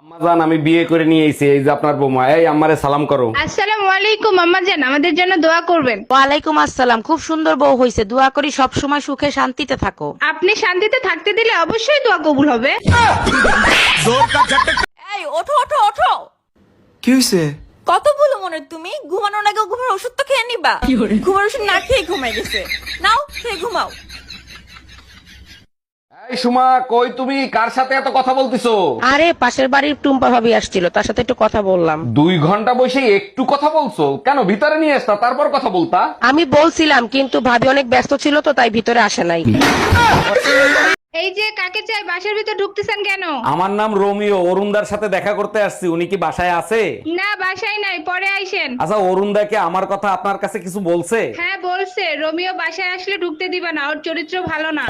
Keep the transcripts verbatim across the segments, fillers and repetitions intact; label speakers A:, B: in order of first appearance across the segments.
A: আম্মাজান আমি বিয়ে করে নিয়ে এসেছি, এই যে আপনার বৌমা। এই আম্মারে সালাম করো।
B: আসসালামু আলাইকুম আম্মা জান, আমাদের জন্য দোয়া করবেন।
C: ওয়ালাইকুম আসসালাম। খুব সুন্দর বউ হইছে, দোয়া করি সব সময় সুখে শান্তিতে থাকো।
B: আপনি শান্তিতে থাকতে দিলে অবশ্যই দোয়া কবুল হবে।
D: এই ওঠো ওঠো ওঠো।
E: কি হইছে?
D: কত ভুলো মনে তুমি, ঘুমানোর আগে ঘুমের ওষুধ তো খেয়ে নিবা। ঘুমের ওষুধ না খেয়ে ঘুমাই গেছে, নাও খেয়ে ঘুমাও।
A: এই সুমা, কই তুমি? কার সাথে এত কথা বলতিছো?
C: আরে পাশের বাড়ির টুম্পা ভাবি আসছিল, তার সাথে একটু কথা বললাম।
A: দুই ঘন্টা বসে একটু কথা বলছো কেন? ভিতরে নিয়ে আসতা, তারপর কথা বলতা।
C: আমি বলছিলাম কিন্তু ভাবি অনেক ব্যস্ত ছিল তো তাই ভিতরে আসে নাই।
B: এই যে কাকে চাই, বাসার ভিতর ঢুকতেছেন কেন?
A: আমার নাম রোমিও, অরুণদার সাথে দেখা করতে আসছি। উনি কি বাসায় আছে?
B: না বাসায় নাই, পরে আইসেন।
A: আচ্ছা, অরুণদাকে আমার কথা আপনার কাছে কিছু বলছে?
B: হ্যাঁ বলছে, রোমিও বাসায় আসলে ঢুকতে দিবা না, ওর চরিত্র ভালো না।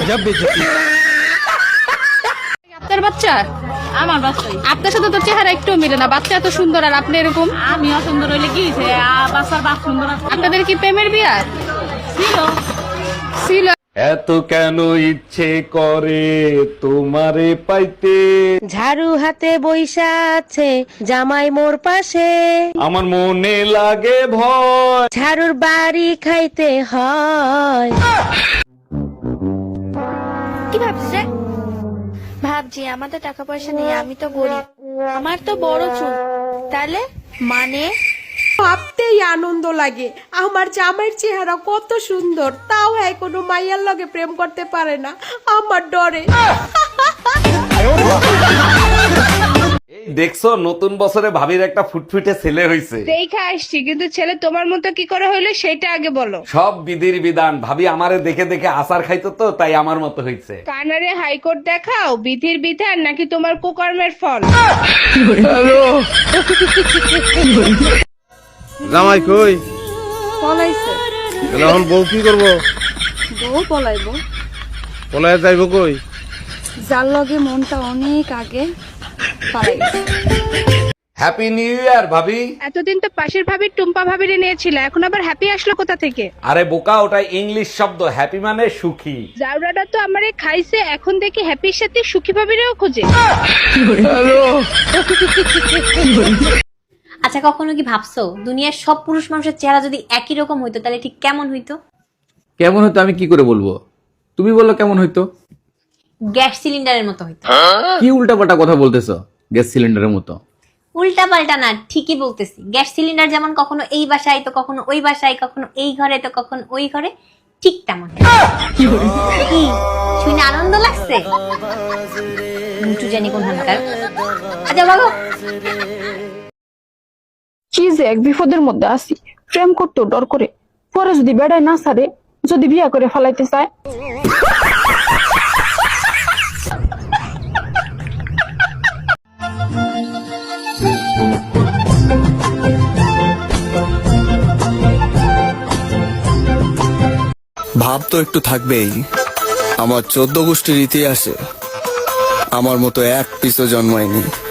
F: আপনার বাচ্চা? আমার বাচ্চাই। আপনার সাথে তো চেহারা একটু মিলে না, বাচ্চা এত সুন্দর আর আপনি এরকম। আমি অসুন্দর হইলে কি হইছে? বাচ্চার বাপ সুন্দর। আপনাদের কি প্রেমের বিয়া ছিল? ছিল।
A: এত কেন ইচ্ছে করে তোমারে পাইতে?
C: ঝাড়ু হাতে বইসা আছে জামাই মোর পাশে,
A: আমার মনে লাগে ভয়।
C: ঝাড়ুর বাড়ি খাইতে হয়।
G: কি ভাবছে? ভাবছি আমাদের টাকা পয়সা নেই, আমি তো গরিব, আমার তো বড় চুল, তাহলে মানে
H: ভাবতেই আনন্দ লাগে। আমার জামাইয়ের চেহারা কত সুন্দর, তাও হ্যাঁ কোনো মাইয়ার লগে প্রেম করতে পারে না আমার ডরে।
A: এই দেখছো, নতুন বছরে ভাবির একটা ফুটফুটে ছেলে হইছে।
B: দেখা আসছি, কিন্তু ছেলে তোমার মতো কি করে হইলো সেটা আগে বলো।
A: সব বিধির বিধান। ভাবি আমারে দেখে দেখে আচার খাইতো তো, তাই আমার মতো হইছে।
B: কানারে হাইকোর্ট দেখাও, বিধির বিধান নাকি তোমার কুকর্মের ফল?
E: জামাই কই?
H: পলাইছে।
E: এখন বউ কি করবো?
H: বউ পলাইবো।
E: পলায় যাইব কই?
H: যার লগে মনটা অনেক আগে পালাই গেছে।
A: হ্যাপি নিউ ইয়ার ভাবি।
B: এতদিন তো পাশের ভাবির টুম্পা ভাবিরে নিয়েছিল, এখন আবার হ্যাপি আসলো কোথা থেকে?
A: আরে বোকা, ওটা ইংলিশ শব্দ। হ্যাপি মানে সুখী।
B: জাউরাটা তো আমারে খাইছে, এখন দেখি হ্যাপির সাথে সুখী ভাবিরেও খোঁজে।
I: আচ্ছা, কখনো কি ভাবছো দুনিয়ার সব পুরুষ মানুষের চেহারা যদি একই রকম হইতো তাহলে ঠিক কেমন হইতো?
J: কেমন হতো আমি কি করে বলবো? তুমি বললো কেমন হইতো?
I: গ্যাস সিলিন্ডারের মতো হইতো।
J: কি উল্টাপাল্টা কথা বলতেছো? গ্যাস সিলিন্ডারের মতো?
I: উল্টা পাল্টা না, ঠিকই বলতেছি। গ্যাস সিলিন্ডার যেমন কখনো এই বাসায় তো কখনো ওই বাসায়, কখনো এই ঘরে তো কখনো ওই ঘরে, ঠিক তেমন। কি শুনে আনন্দ লাগছে? মুটু জানি কোন হানকার। আচ্ছা বলো,
F: কি যে এক বিপদের মধ্যে আছি, প্রেম করতেও ডর করে, পরে যদি বেড়ায় না সারে, যদি বিয়া করে ফেলাইতে চায়।
E: ভাব তো একটু থাকবেই। আমার চোদ্দ গোষ্ঠীর ইতিহাসে আমার মতো এক পিসও জন্মায়নি।